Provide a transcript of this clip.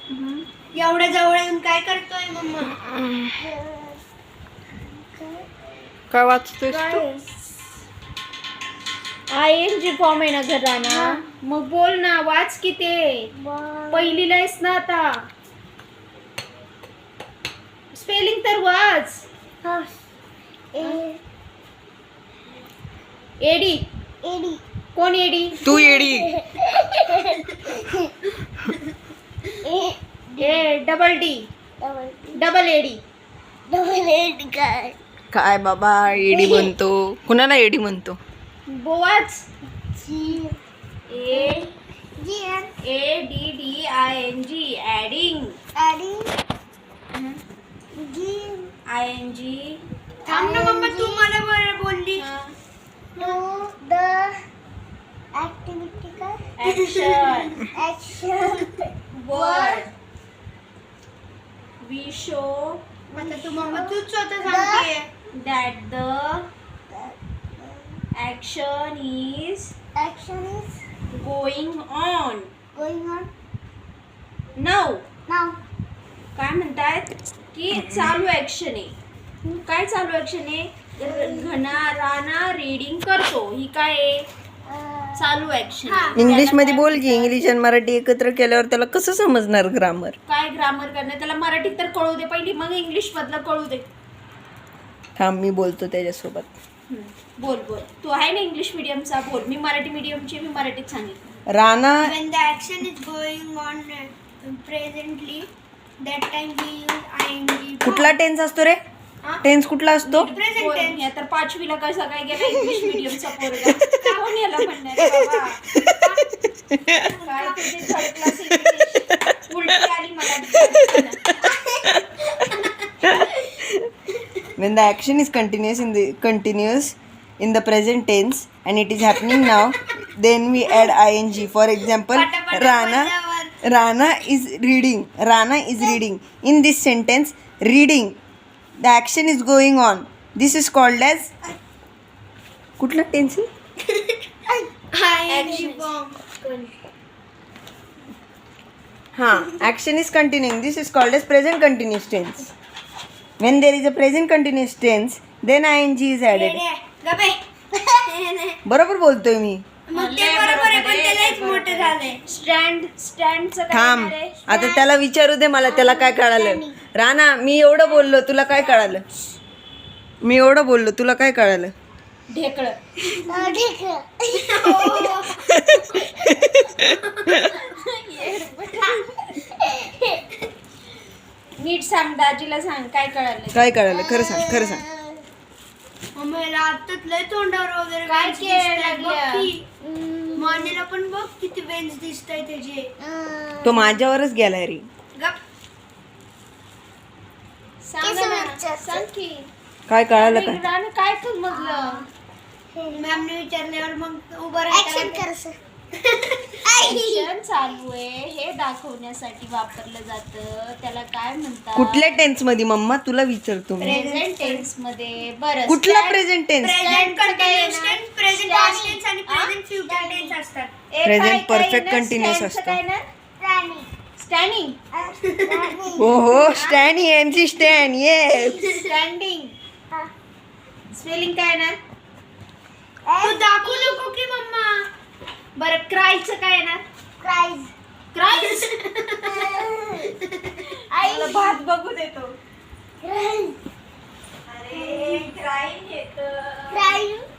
एवढ्या जवळ येऊन काय करतोय मम्मा? काय वाचतोयस तू? ING फॉर्म आहे ना घराना, मग बोल ना, वाच की ते. पहिलीला आहेस ना आता. स्पेलिंग तर वाच. एडी. कोण एडी? तू येडी. Double D. Double A D. काय बाबा एडी म्हणतो? कुणाला एडी म्हणतो? बोवाच. ADDING adding. ING. थांब ना मम्मा, तू मला बरं बोलली. Action. Word. We show आता तू मम्मा तूच स्वतः सांगतेय. that the action is going on. Now. काय म्हणतायत की चालू ऍक्शन आहे. काय चालू ऍक्शन आहे? राणा रीडिंग करतो. ही काय आहे? चालू ऍक्शन. इंग्लिश मध्ये बोल की. इंग्लिश आणि मराठी एकत्र केल्यावर त्याला कसं समजणार ग्रामर? काय ग्रामर करणार? त्याला मराठीत तर कळू दे पहिली, मग इंग्लिश मधलं कळू दे. थांब मी बोलतो त्याच्यासोबत. बोल. तू आहे ना इंग्लिश मीडियमचा, बोल. मी मराठी मीडियमची, मी मराठीत सांगितलं. Rana. When the action is going on presently, that time we use ING. कुठला टेन्स असतो रे? टेन्स कुठला असतो? Present tense. या तर पाचवीला कसा काय गेला इंग्लिश मीडियमचा पोरगा? कोण याला म्हणणार बाबा? काय तुझी थर्ड क्लास इंग्लिश उलटी आली मला. When the action is continuous in the present tense and it is happening now, then we add ing. For example, Rana is reading. Rana is reading. In this sentence, reading. The action is going on. This is called as कुठला tense? ING form. Action is continuing. This is called as present continuous tense. When there is a present continuous tense, then ing is added. गबे. बरोबर बोलतोय मी. मग ते बरोबर आहे, पण त्यालाच मोठं झालंय. स्टँडचं काय थांब, होणार आहे? आता त्याला विचारू दे मला त्याला काय कळालं. राणा, मी एवढं बोललो तुला काय कळालं? मी एवढं बोललो तुला काय कळालं? ढेकळं. नीट सांग, दाजीला सांग काय कळालं. काय कळालं? खरं सांग, खरं सांग. मम्मीला आताच लय तोंडावर वगैरे काय वेन्स केलं दिसतायत. बघ लागलं? की. मानेला पण बघ किती वेन्स दिसताय त्याचे. तो माझ्यावरच गेलाय रे. गप. सांग ना, सांग की. काय कळालं काय? राणा काय समजलं? मॅमने विचारल्यावर मग उभं राहायचं. ऍक्शन चालू आहे हे दाखवण्यासाठी वापरलं जातं. त्याला काय म्हणतात? कुठल्या टेन्स मध्ये मम्मा तुला विचारतो मी. प्रेझेंट टेन्स मध्ये. बरं, कुठला present tense? Present continuous tense, present past tense आणि प्रेझेंट फ्युचर टेन्स असतात. Present perfect continuous असतं. स्टँडिंग. हो स्टॅनी MC Stan yes. Standing. Spelling काय ना? तू दाखवू नको की मम्मा. बरं, क्रायचं काय ना? क्राईज. मला भात बघू देतो.